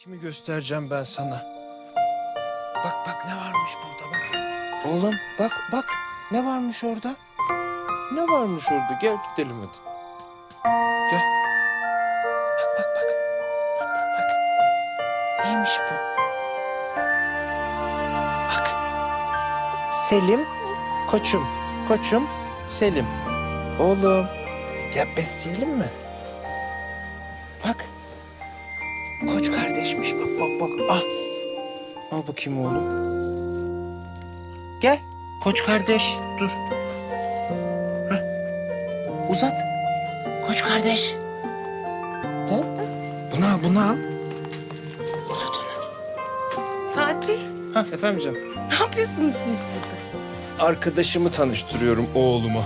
Kimi göstereceğim ben sana? Bak bak ne varmış burada bak. Oğlum bak ne varmış orada? Ne varmış orada? Gel gidelim hadi. Gel. Bak. Neymiş bu? Bak. Selim, koçum, Selim. Oğlum, gel besleyelim mi? Bak. Koç kardeşmiş bak. Ah. Al bakayım oğlum. Gel. Koç kardeş. Dur. Heh. Uzat. Koç kardeş. Gel. Bunu al. Uzat onu. Fatih, Ha efendim canım. ne yapıyorsunuz siz burada? Arkadaşımı tanıştırıyorum oğluma.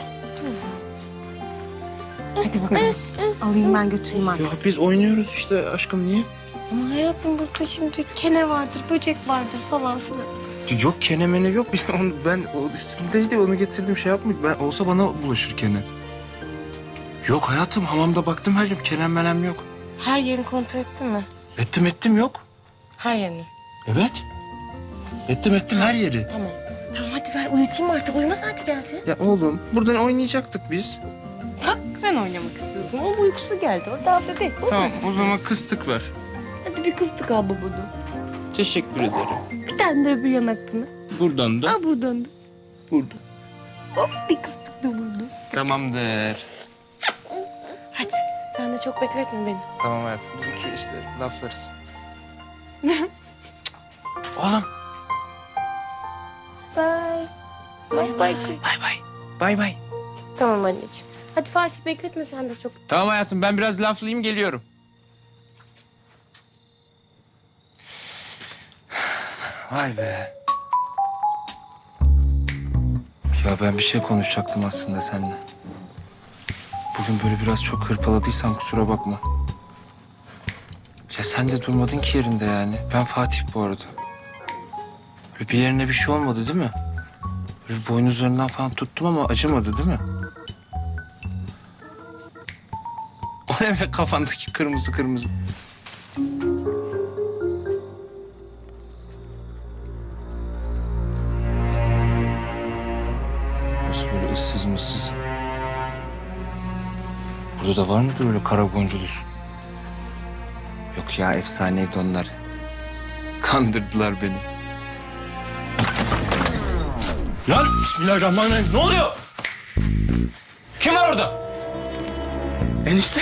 Hadi bakalım. Alayım ben götüreyim artık. Ya biz oynuyoruz işte aşkım niye? Ama hayatım burada şimdi kene vardır, böcek vardır falan filan. Yok kenemene yok. Ben o üstümdeydi onu getirdim şey yapmayayım. Ben olsa bana bulaşır kene. Yok hayatım hamamda baktım her yerim kenem menem yok. Her yerini kontrol ettin mi? Ettim yok. Her yerini. Evet. Ettim her yeri. Tamam. Tamam hadi ver uyutayım artık. Uyuma saati geldi. Ya oğlum buradan oynayacaktık biz. Bak sen oynamak istiyorsun. O uykusu geldi. O daha bebek. Tamam o zaman kıstık ver. Hadi bir kıstık al babunu. Teşekkür ederim. Bir tane de öbür yanakını. Buradan da Al buradan da. burada. Hop bir kıstık da burada. Tamamdır. Hadi sen de çok bekletme beni. Tamam hayatım bizimki işte laflarız. Oğlum. Bye. Bye. Bay. Tamam anneciğim. Hadi Fatih bekletme sen de çok. Tamam hayatım ben biraz laflayayım geliyorum. Vay be. Ya ben bir şey konuşacaktım aslında seninle. Bugün böyle biraz çok hırpaladıysam kusura bakma. Ya sen de durmadın ki yerinde yani. Ben Fatih bu arada. Böyle bir yerine bir şey olmadı değil mi? Böyle boynuzlarından falan tuttum ama acımadı değil mi? O ne öyle kafandaki kırmızı. Burası böyle ıssız mıssız. Burada da var mıdır öyle kara boncuklusu? Yok ya efsaneydi onlar. Kandırdılar beni. Lan bismillahirrahmanirrahim ne oluyor? Kim var orada? Enişte.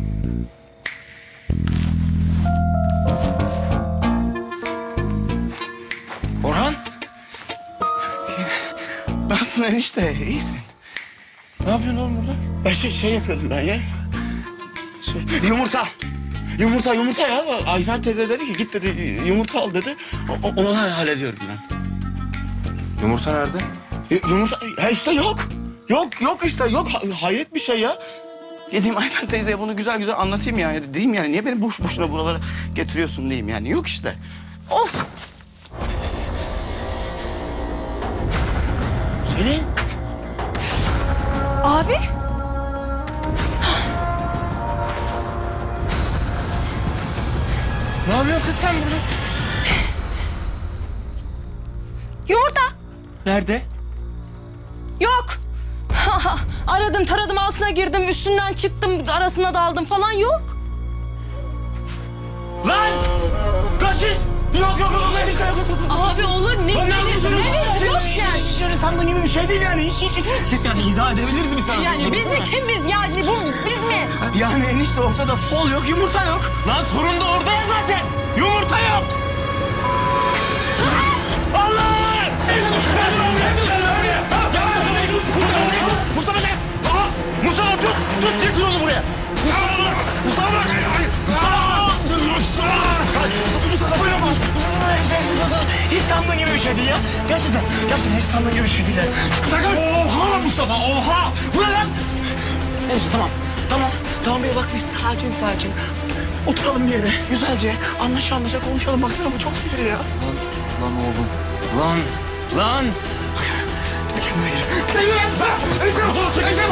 Orhan. Nasılsın enişte? İyisin. Ne yapıyorsun oğlum burada? Ben şey yapıyordum ben ya. Yumurta ya. Ayfer teyze dedi ki git dedi yumurta al dedi. Onu hallediyorum ben. Yumurta nerede? Yumurta ya işte yok. Yok işte yok. Hayret bir şey ya. Gideyim Ayfer teyzeye bunu güzel anlatayım yani. Diyeyim yani niye beni boşuna buralara getiriyorsun diyeyim yani. Yok işte. Of. Selin. Abi. Ne yapıyorsun kız sen burada? Yumurta. Nerede? Yok. Aradım taradım altına girdim üstünden çıktım arasına daldım falan yok. Lan! Kaçış! Yok enişte yok. Abi olur ne Lan ne yapıyorsunuz? Yok yani. Şöyle sandığın gibi bir şey değil yani. Hiç. Siz yani izah edebiliriz mi sana? Yani biz mi kim biz yani bu biz mi? Yani enişte ortada fol yok, yumurta yok. Lan sorun da orada ya zaten. Yumurta yok. Allah! Mustafa sen! Mustafa tut getir onu buraya. Mustafa bırak! Mustafa bırakma! Hiç sandığın gibi bir şey değil ya. Gerçekten hiç sandığın gibi bir şey değil ya. Sakın! Oha Mustafa, oha! Bu ne lan? Neyse tamam bey bak biz sakin. Oturalım bir yere güzelce anlaşa konuşalım. Baksana bu çok sinirli ya. Lan oğlum. Lan. Kendime gel. Enişte!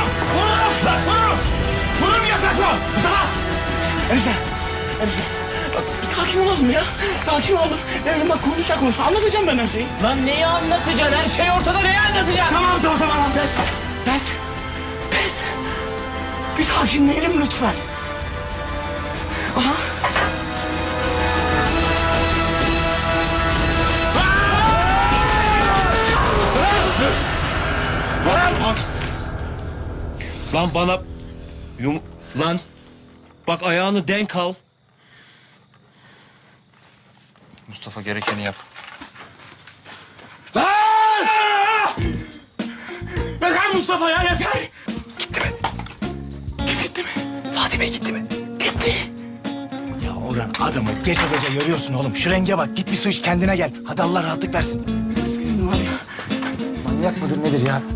Vururum yaklaşma! Mustafa! Enişte! Bak bir sakin olalım ya. Sakin olalım. Benim bak konuş. Anlatacağım ben her şeyi. Lan neyi anlatacaksın? Her şey ortada, neyi anlatacaksın? Tamam. Pes. Bir sakinleyelim lütfen. Aha. Lan bana... Lan... Bak ayağını denk al. Mustafa gerekeni yap. Yeter Mustafa ya yeter. Gitti mi? Fatih Bey gitti mi? Gitti. Ya Orhan adamı gece yoruyorsun oğlum. Şu renge bak git bir su iç kendine gel. Hadi Allah rahatlık versin. Senin var ya. Manyak mıdır nedir ya?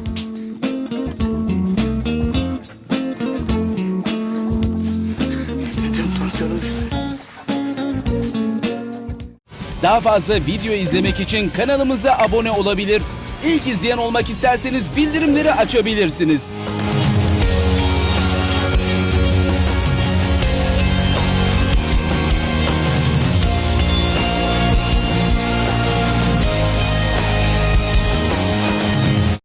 Benim tansiyonum düştü. Daha fazla video izlemek için kanalımıza abone olabilir. İlk izleyen olmak isterseniz bildirimleri açabilirsiniz.